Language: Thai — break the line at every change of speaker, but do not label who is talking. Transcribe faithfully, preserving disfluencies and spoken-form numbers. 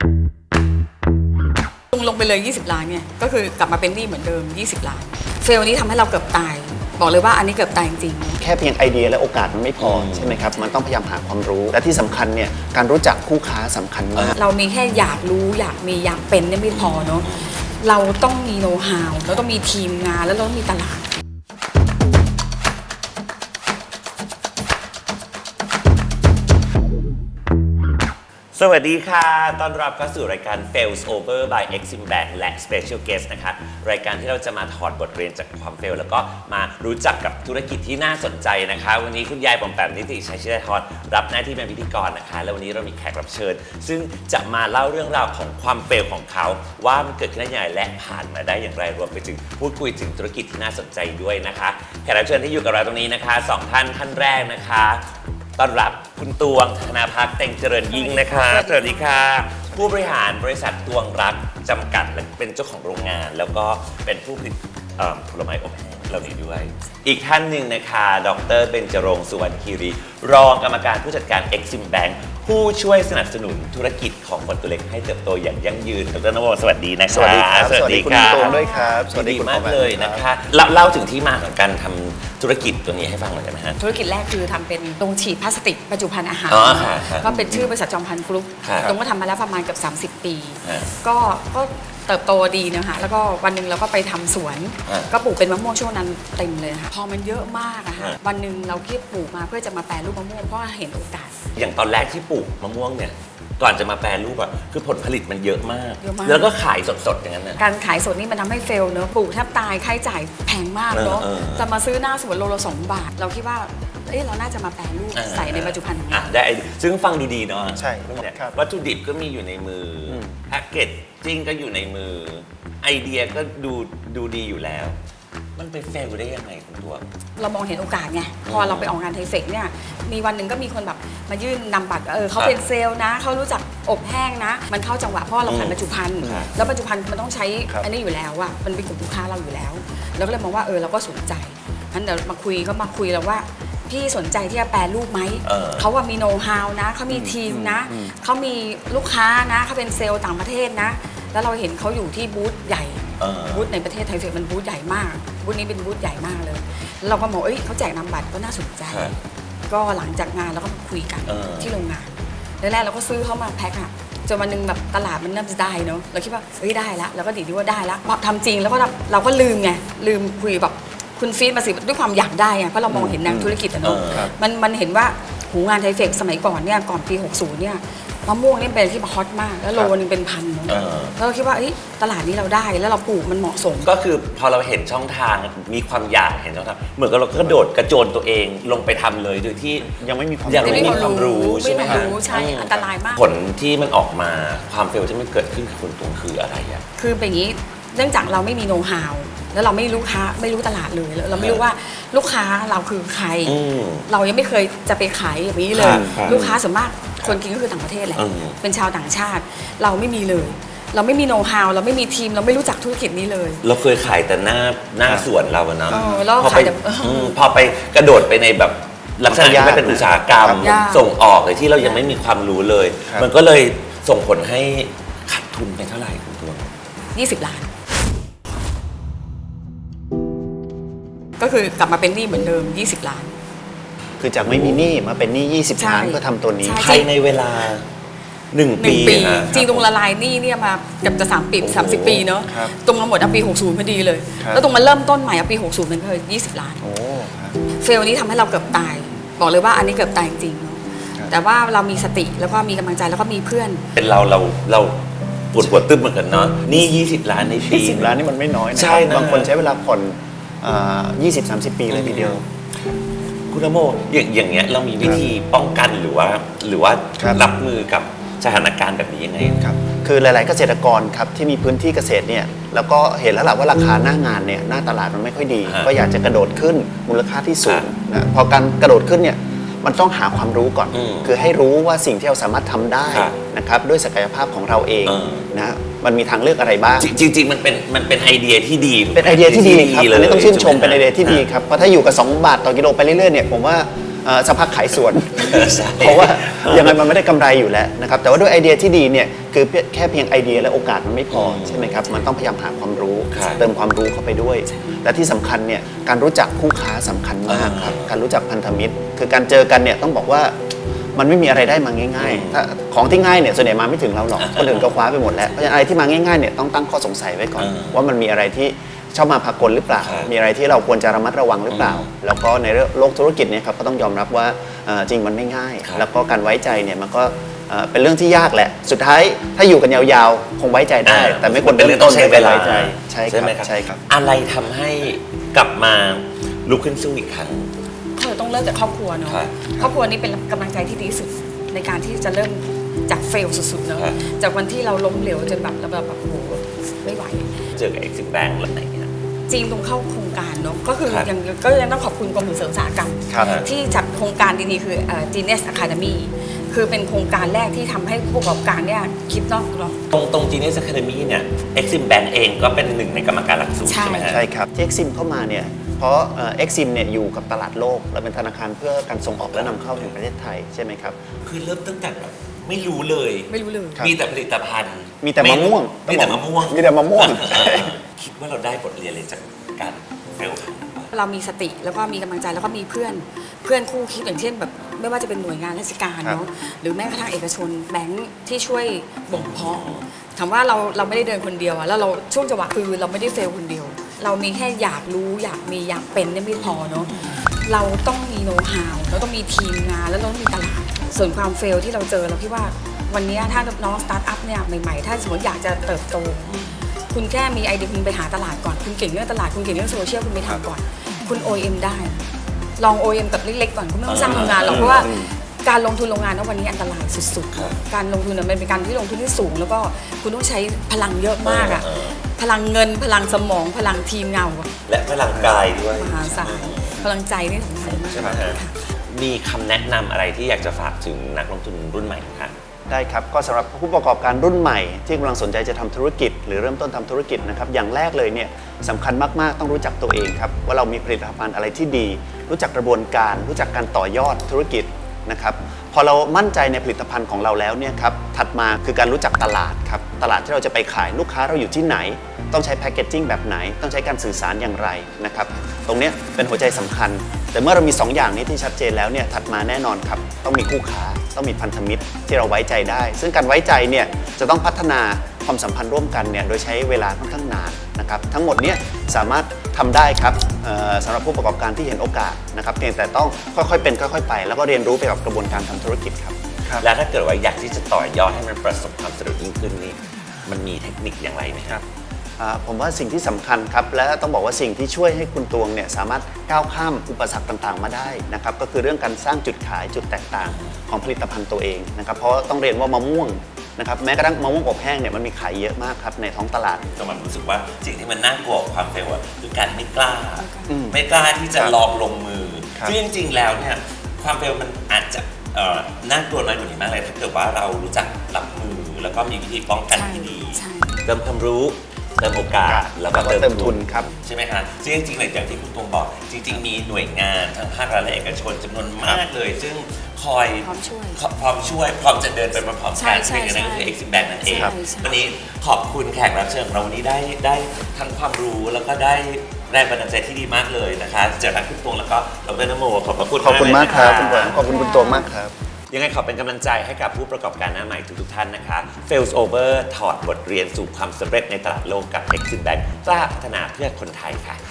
ลงลงไปเลยยี่สิบล้านเนี่ยก็คือกลับมาเป็นหนี้เหมือนเดิมยี่สิบล้านเฟลนี้ทำให้เราเกือบตายบอกเลยว่าอันนี้เกือบตายจริง
แค่เพียงไอเดียและโอกาสมันไม่พอใช่ไหมครับมันต้องพยายามหาความรู้และที่สำคัญเนี่ยการรู้จักคู่ค้าสำคัญมาก
เรามีแค่อยากรู้อยากมีอยากเป็นเนี่ยไม่พอเนาะเราต้องมีโน้ตฮาวเราต้องมีทีมงานแล้วเราต้องมีตลาด
สวัสดีค่ะต้อนรับเข้าสู่รายการ Fails Over by Exim Bank และ Special Guest นะคะรายการที่เราจะมาถอดบทเรียนจากความเฟลแล้วก็มารู้จักกับธุรกิจที่น่าสนใจนะคะวันนี้คุณยายปอมแปมนิติชัยชิดาธรรับหน้าที่เป็นพิธีกรนะคะแล้ววันนี้เรามีแขกรับเชิญซึ่งจะมาเล่าเรื่องราวของความเฟลของเขาว่ามันเกิดขึ้นได้อย่างไรและผ่านมาได้อย่างไรรวมไปถึงพูดคุยถึงธุรกิจที่น่าสนใจด้วยนะคะแขกรับเชิญที่อยู่กับเราตรงนี้นะคะสองท่านท่านแรกนะคะต้อนรับคุณตวงธนาภักดิ์เต็งเจริญยิ่งนะคะสวัสดีค่ะผู้บริหารบริษัทตวงรักจำกัดและเป็นเจ้าของโรงงานแล้วก็เป็นผู้ผลิตผลไม้อบแห้งเหล่านี้ด้วยอีกท่านหนึ่งนะคะดร.เบญจรงค์สุวรรณคีรีรองกรรมการผู้จัดการ Exim Bank ผู้ช่วยสนับสนุนธุรกิจของคนตัวเล็กให้เติบโตอย่างยั่งยืนดร.นวสวัสดีนะคะ
สวัสดีครับสวัสดีคุณตวงด้วยครับ
สวัสดีมากเลยนะคะเล่าถึงที่มาของการทำธุรกิจตัวนี้ให้ฟังหน่อยได้ไหมฮะ
ธุรกิจแรกคือทำเป็นโรงฉีดพลาสติกบรรจุภัณฑ์อาหารก็เป็นชื่อบริษัทจอมพันธุ์กรุ๊ปตรงก็ทำมาแล้วประมาณเกือบสามสิบปีก็ก็เติบโตดีนะคะแล้วก็วันหนึ่งเราก็ไปทำสวนก็ปลูกเป็นมะม่วงช่วงนั้นเต็มเลยค่ะพอมันเยอะมากอะค่ะวันหนึ่งเราคิดปลูกมาเพื่อจะมาแปรรูปมะม่วงเพราะเห็นโอกาส
อย่างตอนแรกที่ปลูกมะม่วงเนี่ยก่อนจะมาแปรรูปอะคือผลผลิตมันเยอะมากแล้วก็ขายสดๆอย่างนั้นนะ
การขายสดนี่มันทำให้เฟลเนอะปลูกแทบตายค่าใช้จ่ายแพงมากเนอะจะมาซื้อหน้าสวนโลละสองบาทเราคิดว่าเอ้เราน่าจะมาแปรรูปใส่ในบรรจุภัณฑ์ของเรา
ได้ซึ่งฟังดูดีเนาะ
ใช่
วัตถุดิบก็มีอยู่ในมือแพ็กเกจจิ้งก็อยู่ในมือไอเดียก็ดูดูดีอยู่แล้วมันไปเฟลได้ยังไงคุณตัว
เรามองเห็นโอกาสไงพอเราไปออกงานไทเฟกเนี่ยมีวันหนึ่งก็มีคนแบบมายื่นนำบัตรเออเขาเป็นเซลล์นะเขารู้จักอบแห้งนะมันเข้าจังหวะเพราะเราขายบรรจุภัณฑ์แล้วบรรจุภัณฑ์มันต้องใช้อันนี้อยู่แล้วอะมันเป็นกลุ่มลูกค้าเราอยู่แล้วเราก็เลยมองว่าเออเราก็สนใจงั้นเดี๋ยวมาคุยก็มาคุยแล้วว่าพี่สนใจที่จะแปรรูปไหมเขาว่ามีโน้ตฮาวนะเขามีทีมนะเขามีลูกค้านะเขาเป็นเซลล์ต่างประเทศนะแล้วเราเห็นเขาอยู่ที่บูธใหญ่บูธในประเทศไทยเฟกมันบูธใหญ่มากบูธนี้เป็นบูธใหญ่มากเลยเราก็มองเอ้ยเขาแจกนามบัตรก็น่าสนใจก็หลังจากงานเราก็คุยกันที่โรงงานแรกๆเราก็ซื้อเขามาแพ็คอะจนวันนึงแบบตลาดมันเริ่มจะได้เนาะเราคิดว่าเฮ้ยได้แล้วเราก็ดีที่ว่าได้แล้วพอทำจริงแล้วก็เราก็ลืมไงลืมคุยแบบคุณฟีดมาสิด้วยความอยากได้อะเพราะเรามองเห็นแนวธุรกิจอะเนาะมันมันเห็นว่าหูงานไทเฟกสมัยก่อนเนี่ยก่อนปีหกสิบเนี่ยมะม่วงนี่เป็นที่ฮอตมากแล้วโลนึงเป็นพันแล้วเราคิดว่าตลาดนี้เราได้แล้วเราปลูกมันเหมาะสม
ก็คือพอเราเห็นช่องทางมีความอยากเห็นช่องทางเหมือนกับเราก็กระโดดกระโจนตัวเองลงไปทำเลยโดยที่
ยังไม่มีความ
ยังไม่มีความรู้ใช่ไหมคะ
ใช่อันตรายมาก
ผลที่มันออกมาความเฟลที่มันเกิดขึ้นกับคุณตวงคืออะไรอะ
คือเป็นอย่างนี้เนื่องจากเราไม่มีโน้ตฮาวแล้วเราไม่รู้ค้าไม่รู้ตลาดเลยเราไม่รู้ว่าลูกค้าเราคือใครเรายังไม่เคยจะไปขายอย่างนี้เลยลูกค้าส่วนมากคนกินก็คือต่างประเทศแหละเป็นชาวต่างชาติเราไม่มีเลยเราไม่มีโน้ตฮาวเราไม่มีทีมเราไม่รู้จักธุรกิจนี้เลย
เราเคยขายแต่หน้าหน้าสวนเราเนาะ
พอไป
พอไปกระโดดไปในแบบลักษณะที่เป็นอุตสาหกรรมส่งออกเลยที่เรายังไม่มีความรู้เลยมันก็เลยส่งผลให้ขาดทุนไปเท่าไหร่คุณตัว
ยี่สิบล้านก็คือกลับมาเป็นหนี้เหมือนเดิมยี่สิบล้าน
คือจากไม่มีหนี้มาเป็นหนี้ยี่สิบล้านเพื่อทำตัวนี้
ภายในเวลาหนึ่งปี
จริงตรงละลายหนี้เนี่ยมาเกือบจะสามปีสามสิบปีเนาะตรงมาหมดเอาปีหกสิบพอดีเลยแล้วตรงมาเริ่มต้นใหม่เอาปีหกสิบนั่นก็คือยี่สิบล้านเฟลนี้ทำให้เราเกือบตายบอกเลยว่าอันนี้เกือบตายจริงๆแต่ว่าเรามีสติแล้วก็มีกำลังใจแล้วก็มีเพื่อน
เป็นเราเราเราปวดปวดตึ๊บเหมือนกันเนาะนี่ยี่สิบล้านในปี
ยี่สิบล้านนี่มันไม่น้อยนะบางคนใช้เวลาผ่อนยี่สิบสามสิบปีเลยทีเดียว
คุณนโมอย่างอย่างเงี้ยเรามีวิธีป้องกันหรือว่าหรือว่ารับมือกับสถานการณ์แบบนี้ยังไง
ครับคือหลายๆเกษตรกรครับที่มีพื้นที่เกษตรเนี่ยแล้วก็เห็นแล้วแหละว่าราคาหน้างานเนี่ยหน้าตลาดมันไม่ค่อยดีก็อยากจะกระโดดขึ้นมูลค่าที่สูงนะพอการกระโดดขึ้นเนี่ยมันต้องหาความรู้ก่อนคือให้รู้ว่าสิ่งที่เราสามารถทำได้นะครับด้วยศักยภาพของเราเองนะมันมีทางเลือกอะไรบ้าง
จริงๆมันเป็นมันเป็นไอเดียที่ดี
เป็นไอเดียที่ดีครับอันนี้ต้องชื่นชมเป็นไอเดียที่ดีครับเพราะถ้าอยู่กับสองบาทต่อกิโลไปเรื่อยๆเนี่ยผมว่าเอ่อสักพักขายสวน
ใช่
เพราะว่ายังไงมันไม่ได้กำไรอยู่แล้วนะครับแต่ว่าด้วยไอเดียที่ดีเนี่ยคือแค่เพียงไอเดียและโอกาสมันไม่พอใช่ไหมครับมันต้องพยายามหาความรู้
ครับ
เติมความรู้เข้าไปด้วยและที่สำคัญเนี่ยการรู้จักคู่ค้าสำคัญมากครับการรู้จักพันธมิตร คือการเจอกันเนี่ยต้องบอกว่ามันไม่มีอะไรได้มาง่ายๆถ้าของที่ง่ายเนี่ยส่วนใหญ่มาไม่ถึงเราหรอกคนอื่นก็คว้าไปหมดแล้วเพราะฉะนั้นอะไรที่มาง่ายๆเนี่ยต้องตั้งข้อสงสัยไว้ก่อน ว่ามันมีอะไรที่ชอบมาพากลหรือเปล่า มีอะไรที่เราควรจะระมัดระวังหรือเปล่า แล้วก็ในโลกธุรกิจเนี่ยครับก็ต้องยอมรับว่าเอ่อจริงมันไม่ง่าย แล้วก็การไว้ใจเนี่ยมันก็เอ่อเป็นเรื่องที่ยากแหละ สุดท้ายถ้าอยู่กันยาวๆ คงไว้ใจได้ แต่ไม่ควร
เป็น
เริ่
เรื่อ
ม
ง
ต้
ต้อน งใช้เวลา
ไว้ใจใช่ค
ใช่ไหม
รับ
ครับ
ใช่ครับ
อะไรทำให้กลับมาลุกขึ้นสู้อีกครั้ง
ก็ต้องเริ่มจากครอบครัวเนาะ
ครับ
ครอบครัวนี้เป็นกำลังใจที่ดีที่สุดในการที่จะเริ่มจากเฟลสุดๆเนาะ
ครับ
จากวันที่เราล้มเหลวจนแบบเราแบบโอ้โหไม่ไหว
เจอกับ Exim Bank แล้วไหนเนี่ย
จีนตรงเข้าโครงการเนาะก็คือ
ครับ
ยังก็ยังต้องขอบคุณกรมส่งเสริมอุตสาหกรรม
ครับ
ที่จัดโครงการดีๆคือเอ่อ Genius Academy คือเป็นโครงการแรกที่ทำให้ผู้ประกอบการเนี่ยคิดนอกกรอบ
ตรงตรง Genius Academy เนี่ย Exim Bank เองก็เป็นหนึ่งในกรรมการหลักสูตร
ใช่
ใช่ไหมฮะ
ใช่ครับที่ Exim เข้ามาเนี่ยเพราะเอ่อ Exim เนี่ยอยู่กับตลาดโลกเราเป็นธนาคารเพื่อการส่งออกและนำเข้าแห่งประเทศไทยใช่ไหมครับ
คือเริ่มตั้งแต่แบบไม่รู้เลย
ไม่รู้เลย
ครับ
มีแต่ผลิตภัณฑ์
มีแต่มะม่วง
มีแต่มะม่วง
มีแต่มะม่วง
คิดว่าเราได้บทเรียนเลยจากการเฟลครั้งนี้
เรามีสติแล้วก็มีกำลังใจแล้วก็มีเพื่อนเพื่อนคู่คิดอย่างเช่นแบบไม่ว่าจะเป็นหน่วยงานราชการเนาะหรือแม้กระทั่งเอกชนแบงค์ที่ช่วยบ่มเพาะถามว่าเราเราไม่ได้เดินคนเดียวอะแล้วเราช่วงจังหวะคือเราไม่ได้เฟลคนเดียว เรามีแค่อยากรู้อยากมีอยากเป็นเนี่ยไม่พอเนาะเราต้องมีโน้ตฮาวเราต้องมีทีมงานแล้วเราต้องมีตลาดส่วนความเฟลที่เราเจอเราคิดว่าวันนี้ถ้าน้องสตาร์ทอัพเนี่ยใหม่ๆถ้าสมมติอยากจะเติบโต คุณแค่มีไอเดียคุณไปหาตลาดก่อนคุณเก่งเรื่องตลาดคุณเก่งเรื่องโซเชียลคุณไปทำก่อน คุณ โอ เอ็ม ได้ ลอง โอ เอ็ม กับเล็กๆก่อนคุณไม่ต้องสร้างโรงงานหรอกเพราะว่าการลงทุนโรงงานนะวันนี้อันตรายสุดๆ การลงทุนเนี่ยมันเป็นการที่ลงทุนที่สูง แล้วก็คุณต้องใช้พลังเยอะมากอะพลังเงินพลังสมองพลังทีมเงาอะ
และพลังกายด้วย
มหาศาลพลังใจนี่สำคัญมาก
ใช่ไหมฮะ มีคำแนะนำอะไรที่อยากจะฝากถึงนักลงทุนรุ่นใหม่คะ
ได้ครับก็สำหรับผู้ประกอบการรุ่นใหม่ที่กำลังสนใจจะทำธุรกิจ หรือเริ่มต้นทำธุรกิจนะครับอย่างแรกเลยเนี่ยสำคัญมากๆต้องรู้จักตัวเองครับว่าเรามีผลิตภัณฑ์อะไรที่ดี รู้จักกระบวนการ รู้จักการต่อยอดธุรกิจนะครับพอเรามั่นใจในผลิตภัณฑ์ของเราแล้วเนี่ยครับถัดมาคือการรู้จักตลาดครับตลาดที่เราจะไปขายลูกค้าเราอยู่ที่ไหน ต้องใช้แพคเกจจิ้งแบบไหน ต้องใช้การสื่อสารอย่างไรนะครับตรงเนี้ยเป็นหัวใจสำคัญ แต่เมื่อเรามีสองอย่างนี้ที่ชัดเจนแล้วเนี่ยถัดมาแน่นอนครับต้องมีคู่ค้าต้องมีพันธมิตรที่เราไว้ใจได้ ซึ่งการไว้ใจเนี่ยจะต้องพัฒนาความสัมพันธ์ร่วมกันเนี่ยโดยใช้เวลาค่อนข้างนานนะครับทั้งหมดเนี้สามารถทำได้ครับเอ่อสำหรับผู้ประกอบการที่เห็นโอกาสนะครับเพียงแต่ต้องค่อยๆเป็นค่อยๆไป แล้วก็เรียนรู้ไปกับกระบวนการทำธุรกิจครับ
แล้วถ้าเกิดว่าอยากที่จะต่อยอดให้มันประสบความสำเร็จยิ่งขึ้นนี่มันมีเทคนิคอย่างไรไหมครับ
อ่าผมว่าสิ่งที่สำคัญครับและต้องบอกว่าสิ่งที่ช่วยให้คุณตวงเนี่ยสามารถก้าวข้ามอุปสรรคต่างๆมาได้นะครับก็คือเรื่องการสร้างจุดขายจุดแตกต่างของผลิตภัณฑ์ตัวเองนะครับเพราะต้องเรียนว่ามะม่วงนะครับแม้กระทั่งมะม่วงอบแห้งเนี่ยมันมีขายเยอะมากครับในท้องตลาด
ก็มันรู้สึกว่าสิ่งที่มันน่ากลัวกว่าความเฟลอะคือการไม่กล้า
อืม
ไม่กล้าที่จะ
ครับ
ลองลงมือ
ครับ
ซึ่งจริงๆแล้วเนี่ยความเฟลมันอาจจะเอ่อน่ากลัวน้อยกว่านี้มากเลยถ้าเกิดว่าเรารู้จักรับมือแล้วก็มีวิธีป้องกันที่ดี
ใช่
เติมความรู้เติมโอกาสแล้วก็
แล้วก็เติมทุนครับ
ใช่ไหมคะซึ่งจริงๆเลยอย่างที่คุณตวงบอก จริง ๆ มีหน่วยงานทั้งภาครัฐและเอกชนจำนวนมากเลย ซึ่งคอย
พร้อมช่วย
พร้อมช่วยพร้อมจะเดินไปพร้อมๆ
ใช่
กัน
ใช่
ซึ่งอันนั้นก็คือ
ใช่
Exim Bank นั่นเอง
ใช่ใช่
วันนี้ขอบคุณแขกรับเชิญของเราวันนี้ได้ได้ทั้งความรู้แล้วก็ได้แรงบันดาลใจที่ดีมากเลยนะคะจากนักคุณตวงแล้วก็ดรนโมขอบพระคุณ
ขอบคุณมากครับคุณหวัง
มากเลยนะะ
ขอบคุณคุณตวงมากครับ
ยังไงขอเป็นกำลังใจให้กับผู้ประกอบการหน้าใหม่ทุกๆท่านนะคะ Fails Over ถอดบทเรียนสู่ความสำเร็จในตลาดโลกกับ Exim Bank กล้าพัฒนาเพื่อคนไทยค่ะ